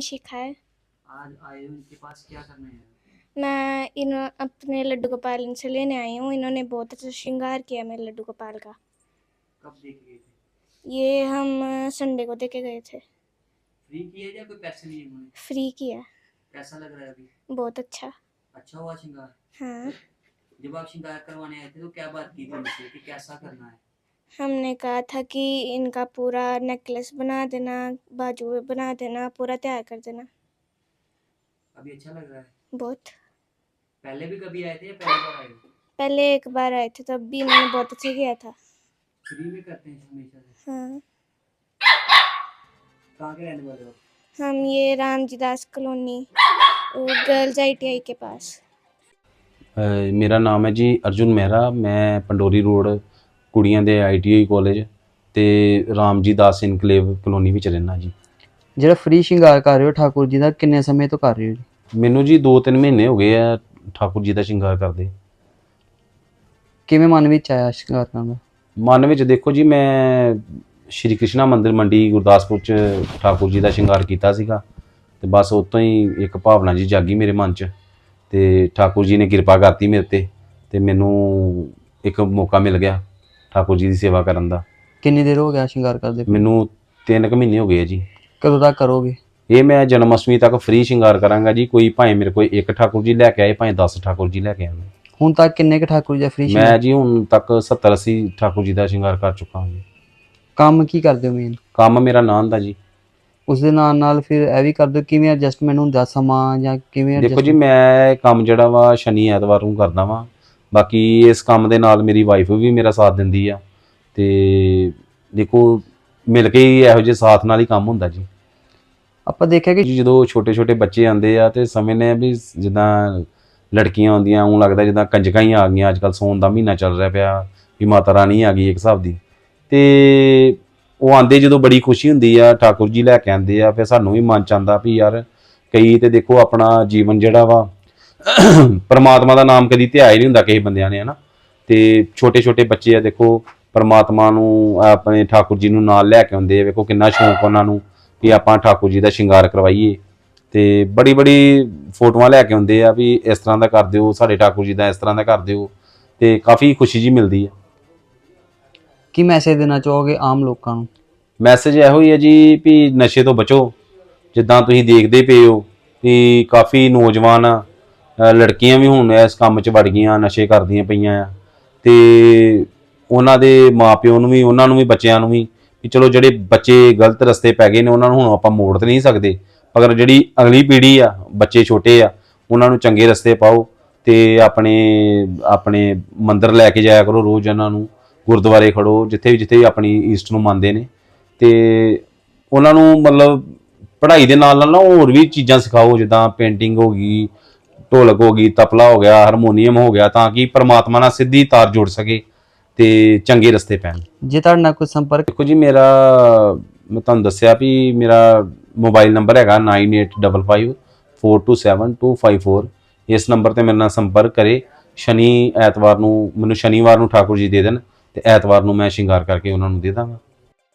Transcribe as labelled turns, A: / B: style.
A: शिखा है।
B: आज आए हो इनके पास क्या करने हैं?
A: मैं इन अपने लड्डू गोपाल इनसे लेने आई हूँ। इन्होंने बहुत अच्छा श्रृंगार किया मेरे लड्डू गोपाल का।
B: कब देख गए थे?
A: ये हम संडे को देके गए थे।
B: फ्री किया या कोई पैसे लिए उन्होंने?
A: फ्री किया।
B: कैसा लग रहा है अभी?
A: बहुत अच्छा।
B: अच्छा हुआ श्रृंगार?
A: हाँ।
B: जब आप श्रृंगार करवाने आए थे तो क्या बात की थी उनसे कि कैसा करना है?
A: हमने कहा था कि इनका पूरा नेकलेस बना देना, बाजू बना देना, पूरा तैयार कर देना।
B: अभी अच्छा लग रहा है?
A: बहुत।
B: पहले भी कभी आए थे या पहली बार आए हो?
A: पहले एक बार आए थे, तब भी इन्होंने बहुत अच्छा किया था।
B: फ्री में करते हैं हमेशा से?
A: हाँ।
B: कहाँ के रहने वाले हो?
A: हम ये Ramji Das colony girls ITI के पास।
C: मेरा नाम है जी अर्जुन मेहरा। मैं पंडोरी रोड कुड़ियां दे ITI कॉलेज ਤੇ ਰਾਮਜੀ ਦਾਸ ਇਨਕਲੇਵ ਕਲੋਨੀ ਵਿੱਚ ਰਹਿਣਾ ਜੀ।
D: ਜਿਹੜਾ ਫ੍ਰੀ ਸ਼ਿੰਗਾਰ ਕਰ ਰਹੇ ਹੋ ਠਾਕੁਰ ਜੀ ਦਾ, ਕਿੰਨੇ ਸਮੇਂ ਤੋਂ ਕਰ ਰਹੇ ਹੋ ਜੀ?
C: ਮੈਨੂੰ ਜੀ 2-3 ਮਹੀਨੇ ਹੋ ਗਏ ਆ ਠਾਕੁਰ ਜੀ ਦਾ ਸ਼ਿੰਗਾਰ ਕਰਦੇ।
D: ਕਿਵੇਂ ਮਨ ਵਿੱਚ ਆਇਆ ਸ਼ਿੰਗਾਰ ਕਰਨ ਦਾ?
C: ਮਨ ਵਿੱਚ ਦੇਖੋ ਜੀ, ਮੈਂ ਸ਼੍ਰੀ ਕ੍ਰਿਸ਼ਨਾ ਮੰਦਿਰ ਮੰਡੀ ਗੁਰਦਾਸਪੁਰ 'ਚ ਠਾਕੁਰ ਜੀ ਦਾ ਸ਼ਿੰਗਾਰ ਕੀਤਾ ਸੀਗਾ ਤੇ ਬਸ ਉਤੋਂ ਹੀ ਇੱਕ ਭਾਵਨਾ ਜੀ ਜਾਗੀ ਮੇਰੇ ਮਨ 'ਚ ਤੇ ਠਾਕੁਰ ਜੀ ਨੇ ਕਿਰਪਾ ਕਰਤੀ ਮੇਰੇ ਤੇ ਮੈਨੂੰ ਇੱਕ ਮੌਕਾ ਮਿਲ ਗਿਆ ਠਾਕੁਰ ਜੀ ਦੀ ਸੇਵਾ ਕਰਨ ਦਾ।
D: ਕਿੰਨੀ ਦੇਰ ਹੋ ਗਿਆ ਸ਼ਿੰਗਾਰ ਕਰਦੇ?
C: ਮੈਨੂੰ 3 ਕੁ ਮਹੀਨੇ ਹੋ ਗਏ ਜੀ।
D: ਕਦੋਂ ਤੱਕ ਕਰੋਗੇ?
C: ਇਹ ਮੈਂ ਜਨਮ ਅਸ਼ਟਮੀ ਤੱਕ ਫ੍ਰੀ ਸ਼ਿੰਗਾਰ ਕਰਾਂਗਾ ਜੀ। ਕੋਈ ਭਾਵੇਂ ਮੇਰੇ ਕੋਲ ਇੱਕ ਠਾਕੁਰ ਜੀ ਲੈ ਕੇ ਆਏ, ਭਾਵੇਂ 10 ਠਾਕੁਰ ਜੀ ਲੈ ਕੇ ਆਏ।
D: ਹੁਣ ਤੱਕ ਕਿੰਨੇ ਕੁ ਠਾਕੁਰ ਜੀ ਦਾ ਫ੍ਰੀ
C: ਮੈਂ
D: ਸ਼ਿੰਗਾਰ?
C: ਜੀ ਹੁਣ ਤੱਕ 70-80 ਠਾਕੁਰ ਜੀ ਦਾ ਸ਼ਿੰਗਾਰ ਕਰ ਚੁੱਕਾ ਹਾਂ ਜੀ।
D: ਕੰਮ ਕੀ ਕਰਦੇ ਹੋ ਮੇਨ?
C: ਕੰਮ ਮੇਰਾ ਨਾਨ ਦਾ ਜੀ।
D: ਉਸ ਦੇ ਨਾਲ ਨਾਲ ਫਿਰ ਇਹ ਵੀ ਕਰਦੇ ਹੋ, ਕਿਵੇਂ ਐਡਜਸਟਮੈਂਟ ਹੁੰਦਾ ਸਮਾਂ ਜਾਂ ਕਿਵੇਂ
C: ਦੇਖੋ ਜੀ,
D: adjustment?
C: ਮੈਂ ਕੰਮ ਜਿਹੜਾ ਵਾ ਸ਼ਨੀ ਐਤਵਾਰ ਨੂੰ ਕਰਦਾ ਵਾਂ। ਬਾਕੀ ਇਸ ਕੰਮ ਦੇ ਨਾਲ ਮੇਰੀ ਵਾਈਫ ਵੀ ਮੇਰਾ ਸਾਥ ਦਿੰਦੀ ਆ ਤੇ ਦੇਖੋ ਮਿਲ ਕੇ ਹੀ ਇਹੋ ਜਿਹੇ ਸਾਥ ਨਾਲ ਹੀ ਕੰਮ ਹੁੰਦਾ ਜੀ।
D: ਆਪਾਂ ਦੇਖਿਆ ਕਿ
C: ਜੀ ਜਦੋਂ ਛੋਟੇ ਛੋਟੇ ਬੱਚੇ ਆਉਂਦੇ ਆ ਤੇ ਸਮਝਦੇ ਆ ਵੀ ਜਿੱਦਾਂ ਲੜਕੀਆਂ ਆਉਂਦੀਆਂ ਉਹ ਲੱਗਦਾ ਜਿੱਦਾਂ ਕੰਜਕਾਂ ਹੀ ਆ ਗਈਆਂ। ਅੱਜ ਕੱਲ੍ਹ ਸੌਣ ਦਾ ਮਹੀਨਾ ਚੱਲ ਰਿਹਾ ਪਿਆ ਵੀ ਮਾਤਾ ਰਾਣੀ ਆ ਗਈ ਇੱਕ ਹਿਸਾਬ ਦੀ। ਤੇ ਉਹ ਆਉਂਦੇ ਜਦੋਂ ਬੜੀ ਖੁਸ਼ੀ ਹੁੰਦੀ ਆ, ਠਾਕੁਰ ਜੀ ਲੈ ਕੇ ਆਉਂਦੇ ਆ, ਫਿਰ ਸਾਨੂੰ ਵੀ ਮਨ ਚ ਆਉਂਦਾ ਵੀ ਯਾਰ ਕਈ ਤੇ ਦੇਖੋ ਆਪਣਾ ਜੀਵਨ ਜਿਹੜਾ ਵਾ ਪਰਮਾਤਮਾ ਦਾ ਨਾਮ ਕਦੀ ਧਿਆਇਆ ਹੀ ਨਹੀਂ ਹੁੰਦਾ ਕਿਸੇ ਬੰਦਿਆਂ ਨੇ, ਹਨਾ। ਤੇ ਛੋਟੇ ਛੋਟੇ ਬੱਚੇ ਆ ਦੇਖੋ ਪਰਮਾਤਮਾ ਨੂੰ ਆਪਣੇ ਠਾਕੁਰ ਜੀ ਨੂੰ ਨਾਲ ਲੈ ਕੇ ਆਉਂਦੇ ਆ। ਵੇਖੋ ਕਿੰਨਾ ਸ਼ੌਂਕ ਉਹਨਾਂ ਨੂੰ ਵੀ ਆਪਾਂ ਠਾਕੁਰ ਜੀ ਦਾ ਸ਼ਿੰਗਾਰ ਕਰਵਾਈਏ ਤੇ ਬੜੀ ਬੜੀ ਫੋਟੋਆਂ ਲੈ ਕੇ ਆਉਂਦੇ ਆ ਵੀ ਇਸ ਤਰ੍ਹਾਂ ਦਾ ਕਰ ਦਿਓ, ਸਾਡੇ ਠਾਕੁਰ ਜੀ ਦਾ ਇਸ ਤਰ੍ਹਾਂ ਦਾ ਕਰ ਦਿਓ ਤੇ ਕਾਫੀ ਖੁਸ਼ੀ ਜੀ ਮਿਲਦੀ ਹੈ।
D: ਕੀ ਮੈਸੇਜ ਦੇਣਾ ਚਾਹੋਗੇ ਆਮ ਲੋਕਾਂ ਨੂੰ?
C: ਮੈਸੇਜ ਇਹੋ ਹੀ ਹੈ ਜੀ ਵੀ ਨਸ਼ੇ ਤੋਂ ਬਚੋ। ਜਿੱਦਾਂ ਤੁਸੀਂ ਦੇਖਦੇ ਪਏ ਹੋ ਵੀ ਕਾਫੀ ਨੌਜਵਾਨ ਲੜਕੀਆਂ ਵੀ ਹੁਣ ਇਸ ਕੰਮ 'ਚ ਵੜ ਗਈਆਂ, ਨਸ਼ੇ ਕਰਦੀਆਂ ਪਈਆਂ ਆ ਤੇ ਉਹਨਾਂ ਦੇ ਮਾਪਿਓ ਨੂੰ ਵੀ, ਉਹਨਾਂ ਨੂੰ ਵੀ, ਬੱਚਿਆਂ ਨੂੰ ਵੀ ਚਲੋ ਜਿਹੜੇ ਬੱਚੇ ਗਲਤ ਰਸਤੇ ਪੈ ਗਏ ਨੇ ਉਹਨਾਂ ਨੂੰ ਹੁਣ ਆਪਾਂ ਮੋੜ ਤਾਂ ਨਹੀਂ ਸਕਦੇ, ਪਰ ਜਿਹੜੀ ਅਗਲੀ ਪੀੜ੍ਹੀ ਆ, ਬੱਚੇ ਛੋਟੇ ਆ, ਉਹਨਾਂ ਨੂੰ ਚੰਗੇ ਰਸਤੇ ਪਾਓ ਤੇ ਆਪਣੇ ਮੰਦਿਰ ਲੈ ਕੇ ਜਾਇਆ ਕਰੋ ਰੋਜ਼। ਉਹਨਾਂ ਨੂੰ ਗੁਰਦੁਆਰੇ ਖੜੋ ਜਿੱਥੇ ਵੀ ਆਪਣੀ ਈਸਟ ਨੂੰ ਮੰਨਦੇ ਨੇ ਤੇ ਉਹਨਾਂ ਨੂੰ ਮਤਲਬ ਪੜ੍ਹਾਈ ਦੇ ਨਾਲ ਨਾਲ ਨਾ ਹੋਰ ਵੀ ਚੀਜ਼ਾਂ ਸਿਖਾਓ, ਜਿੱਦਾਂ ਪੇਂਟਿੰਗ ਹੋ ਗਈ, ਢੋਲਕ ਹੋ ਗਈ, ਤਬਲਾ ਹੋ ਗਿਆ, ਹਾਰਮੋਨੀਅਮ ਹੋ ਗਿਆ, ਤਾਂ ਕਿ ਪਰਮਾਤਮਾ ਨਾਲ ਸਿੱਧੀ ਤਾਰ ਜੁੜ ਸਕੇ ਤੇ ਚੰਗੇ ਰਸਤੇ ਪੈਣ।
D: ਜੇ ਤੁਹਾਡੇ ਨਾਲ ਕੋਈ ਸੰਪਰਕ?
C: ਦੇਖੋ ਜੀ, ਮੈਂ ਤੁਹਾਨੂੰ ਦੱਸਿਆ ਵੀ ਮੇਰਾ ਮੋਬਾਈਲ ਨੰਬਰ ਹੈਗਾ 9855427254। ਇਸ ਨੰਬਰ ਤੇ ਮੇਰੇ ਨਾਲ ਸੰਪਰਕ ਕਰੇ। ਸ਼ਨੀਵਾਰ ਨੂੰ ਮੈਨੂੰ ਠਾਕੁਰ ਜੀ ਦੇ ਦੇਣ ਤੇ ਐਤਵਾਰ ਨੂੰ ਮੈਂ ਸ਼ਿੰਗਾਰ ਕਰਕੇ ਉਹਨਾਂ ਨੂੰ ਦੇ ਦਾਂਗਾ।